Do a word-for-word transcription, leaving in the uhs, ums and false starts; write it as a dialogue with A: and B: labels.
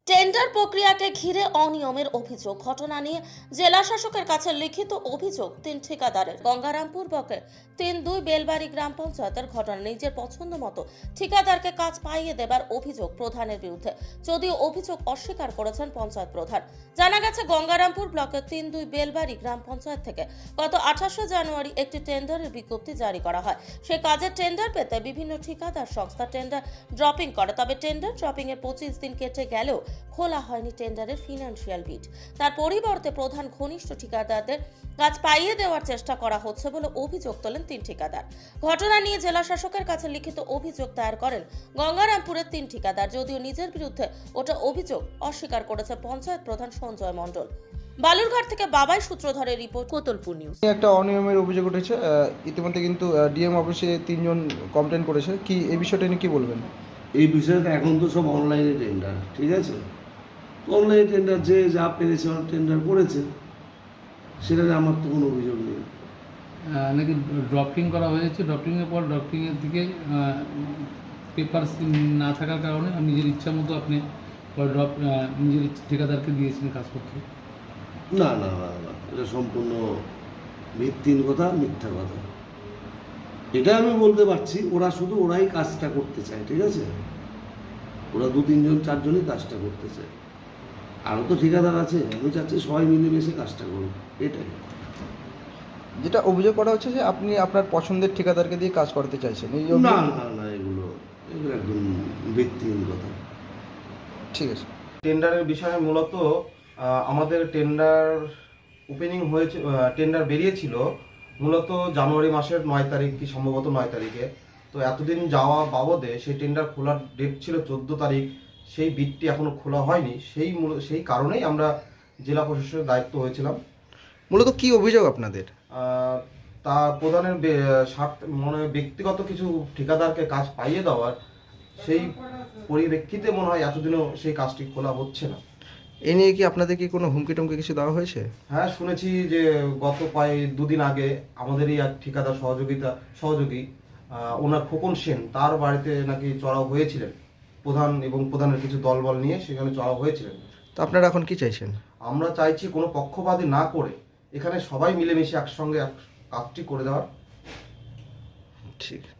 A: Tender প্রক্রিয়াকে ঘিরে অনিয়মের অভিযোগ। ঘটনা নিয়ে জেলা শাসকের কাছে লিখিত অভিযোগ তিন ঠিকাদারের। গঙ্গারামপুর ব্লকের তিন দুই বেলবাড়ি গ্রাম পঞ্চায়েতের ঘটনা। নিজের পছন্দ মতো ঠিকাদারকে কাজ পাইয়ে দেবার অভিযোগ প্রধানের বিরুদ্ধে, যদিও অভিযোগ অস্বীকার করেছেন পঞ্চায়েত প্রধান। জানা গেছে, গঙ্গারামপুর ব্লকের তিন দুই বেলবাড়ি গ্রাম পঞ্চায়েত থেকে গত আঠাশে জানুয়ারি একটি টেন্ডারের বিজ্ঞপ্তি জারি করা হয়। সে কাজের টেন্ডার পেতে বিভিন্ন ঠিকাদার সংস্থা টেন্ডার ড্রপিং করে, তবে টেন্ডার ড্রপিং এর পঁচিশ দিন কেটে গেলেও খোলা হয়নি টেন্ডারের ফিনান্সিয়াল বিড। তার পরিবর্তে প্রধান ঘনিষ্ঠ ঠিকাদারদের কাজ পাইয়ে দেওয়ার চেষ্টা করা হচ্ছে বলে অভিযোগ তোলেন তিন ঠিকাদার। ঘটনা নিয়ে জেলা শাসকের কাছে লিখিত অভিযোগ দায়ের করেন গঙ্গারামপুরের তিন ঠিকাদার, যদিও নিজের বিরুদ্ধে ওটা অভিযোগ অস্বীকার করেছে পঞ্চায়েত প্রধান সঞ্জয় মণ্ডল। বালুরঘাট থেকে বাবাই সূত্রধরের রিপোর্ট, কোতলপুর নিউজ।
B: একটা অনিয়মের অভিযোগ উঠেছে, ইতিমধ্যে কিন্তু ডিএম অফিসে তিনজন কমপ্লেন করেছে। কি এই বিষয়টা নিয়ে কি বলবেন?
C: এই বিষয়টা এখন তো সব অনলাইনে টেন্ডার, ঠিক আছে? অনলাইনে টেন্ডার যে যা পেরেছে টেন্ডার করেছে, সেটাতে আমার তো কোনো অভিযোগ নেই।
D: নাকি ড্রপিং করা হয়েছে, ড্রপিংয়ের পর ড্রপিংয়ের দিকে পেপার না থাকার কারণে নিজের ইচ্ছা মতো আপনি ড্রপ নিজের ঠিকাদারকে দিয়েছেন কাজ করতে।
C: না না না না এটা সম্পূর্ণ ভিত্তিহীন কথা, মিথ্যা কথা। এটা আমি বলতে পারছি, ওরা শুধু ওরাই কাজটা করতে চায়, ঠিক আছে? ওরা দু তিনজন চারজনই কাজটা করতে চায়, আরও তো ঠিকাদার আছে। আমি চাচ্ছি সবাই মিলেমিশে কাজটা করুক, এটাই।
B: যেটা অভিযোগ করা হচ্ছে যে আপনি আপনার পছন্দের ঠিকাদারকে দিয়ে কাজ করতে চাইছেন। এই
C: না
B: অভিযোগ-
C: না না এগুলো এগুলো একদম ভিত্তিহীন কথা।
B: ঠিক আছে।
E: টেন্ডারের বিষয়ে মূলত আহ, আমাদের টেন্ডার ওপেনিং হয়েছে, টেন্ডার বেরিয়েছিল মূলত জানুয়ারি মাসের নয় তারিখ কি সম্ভবত নয় তারিখে। তো এতদিন যাওয়া বাবদে সেই টেন্ডার খোলার ডেট ছিল চোদ্দো তারিখ, সেই বিটটি এখনও খোলা হয়নি। সেই মূল- সেই কারণেই আমরা জেলা প্রশাসনের দায়িত্ব হয়েছিলাম।
B: মূলত কি অভিযোগ আপনাদের?
E: আহ, তা প্রধানের বে- স্বার্থ মানে ব্যক্তিগত কিছু ঠিকাদারকে কাজ পাইয়ে দেওয়ার, সেই পরিপ্রেক্ষিতে মনে হয় এতদিনও সেই কাজটি খোলা হচ্ছে না।
B: এ নিয়ে কি আপনাদের কি কোনো হুমকি টুমকি কিছু দেওয়া হয়েছে?
E: হ্যাঁ, শুনেছি যে গত প্রায় দুদিন আগে আমাদেরই এক ঠিকাদার সহযোগিতা সহযোগী আহ, ওনার খোকন সেন, তার বাড়িতে নাকি চড়াও হয়েছিলেন প্রধান এবং প্রধানের কিছু দলবল নিয়ে, সেখানে চড়াও হয়েছিলেন।
B: তো আপনারা এখন কি চাইছেন?
E: আমরা চাইছি কোনো পক্ষপাতী না করে এখানে সবাই মিলেমিশে একসঙ্গে এক কাজটি করে দেওয়ার।
B: ঠিক।